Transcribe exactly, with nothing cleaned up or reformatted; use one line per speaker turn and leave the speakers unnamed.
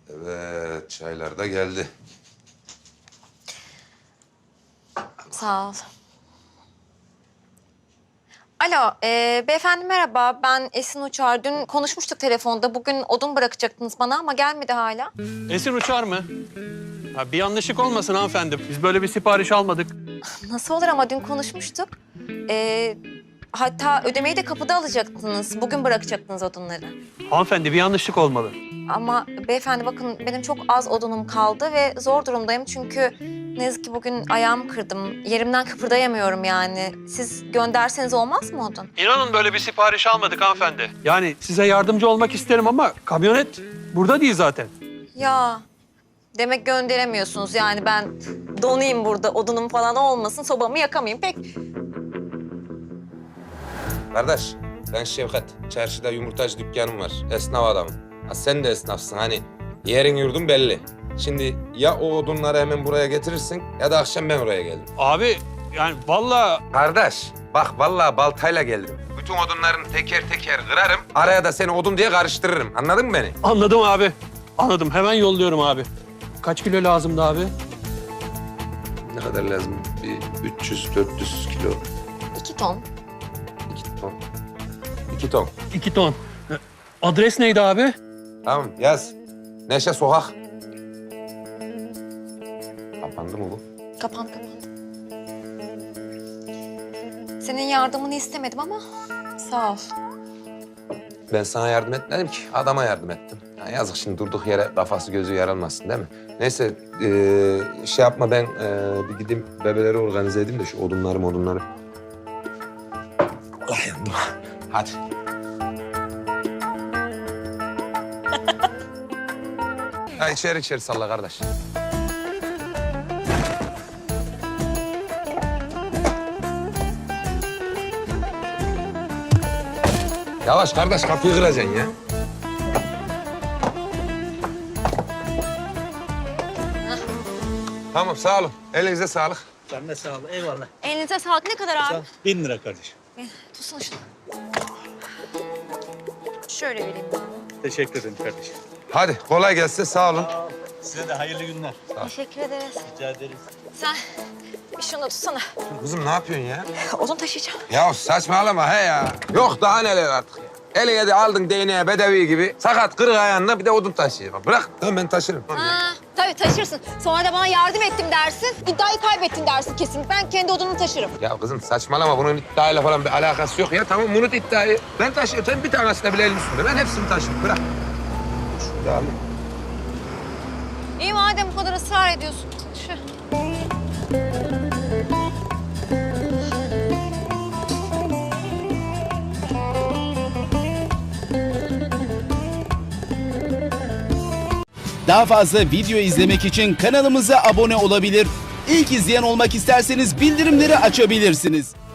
Evet, çaylar da geldi.
Sağ ol. Alo, e, beyefendi merhaba. Ben Esin Uçar. Dün konuşmuştuk telefonda. Bugün odun bırakacaktınız bana ama gelmedi hala.
Esin Uçar mı? Ha, bir yanlışlık olmasın hanımefendi. Biz böyle bir sipariş almadık.
Nasıl olur ama dün konuşmuştuk. E, hatta ödemeyi de kapıda alacaktınız. Bugün bırakacaktınız odunları.
Hanımefendi bir yanlışlık olmalı.
Ama beyefendi bakın benim çok az odunum kaldı ve zor durumdayım çünkü ne yazık ki bugün ayağımı kırdım. Yerimden kıpırdayamıyorum yani. Siz gönderseniz olmaz mı odun?
İnanın böyle bir sipariş almadık hanımefendi. Yani size yardımcı olmak isterim ama kamyonet burada değil zaten.
Ya demek gönderemiyorsunuz yani ben donayım burada odunum falan olmasın sobamı yakamayayım pek.
Kardeş, ben Şevkat. Çarşıda yumurtacı dükkanım var. Esnaf adamım. Ha, sen de esnafsın hani. Yerin yurdun belli. Şimdi ya o odunları hemen buraya getirirsin ya da akşam ben oraya geldim.
Abi yani vallahi...
Kardeş, bak vallahi baltayla geldim. Bütün odunların teker teker kırarım. Araya da seni odun diye karıştırırım. Anladın mı beni?
Anladım abi. Anladım. Hemen yolluyorum abi. Kaç kilo lazımdı abi?
Ne kadar lazım? Bir üç yüz dört yüz kilo.
İki ton.
İki ton. İki ton.
İki ton. Adres neydi abi?
Tamam yaz. Neşe Sokak. Kapandı mı bu?
Kapandı kapandı. Senin yardımını istemedim ama sağ ol.
Ben sana yardım etmedim ki. Adama yardım ettim. Ya yazık şimdi durduk yere kafası gözü yaralmasın değil mi? Neyse ee, şey yapma ben ee, bir gideyim bebeleri organize edeyim de şu odunları odunları. Allah yandım. Hadi. Ha içeri içeri salla kardeş. Yavaş kardeş kapıyı kıracaksın ya. Tamam sağ olun. Elinize sağlık.
Sen de sağ ol. Eyvallah.
Elinize sağlık ne kadar abi?
Sağ ol. Bin lira kardeşim.
Tutsana şunu. Şöyle vereyim.
Teşekkür ederim kardeşim.
Hadi kolay gelsin sağ olun.
Size de hayırlı günler.
Teşekkür ederiz.
Rica ederiz.
Sen bir şunu tutsana.
Kızım ne yapıyorsun ya?
Odun taşıyacağım.
Ya saçmalama he ya. Yok daha neler artık. Eline de aldın değneğe bedevi gibi. Sakat kırık ayağında bir de odun taşıyor. Bırak. Tamam ben taşırım.
Ha, tabii taşırsın. Sonra da bana yardım ettim dersin. İddiayı kaybettin dersin kesin. Ben kendi odunumu taşırım.
Ya kızım saçmalama. Bunun iddiayla falan bir alakası yok ya. Tamam unut iddiayı. Ben taşıyorum. Sen bir tanesine bile elin üstünde. Ben hepsini taşıyorum. Bırak. Şunu da alayım.
İyi madem bu kadar ısrar ediyorsun. Taşı.
Daha fazla video izlemek için kanalımıza abone olabilir. İlk izleyen olmak isterseniz bildirimleri açabilirsiniz.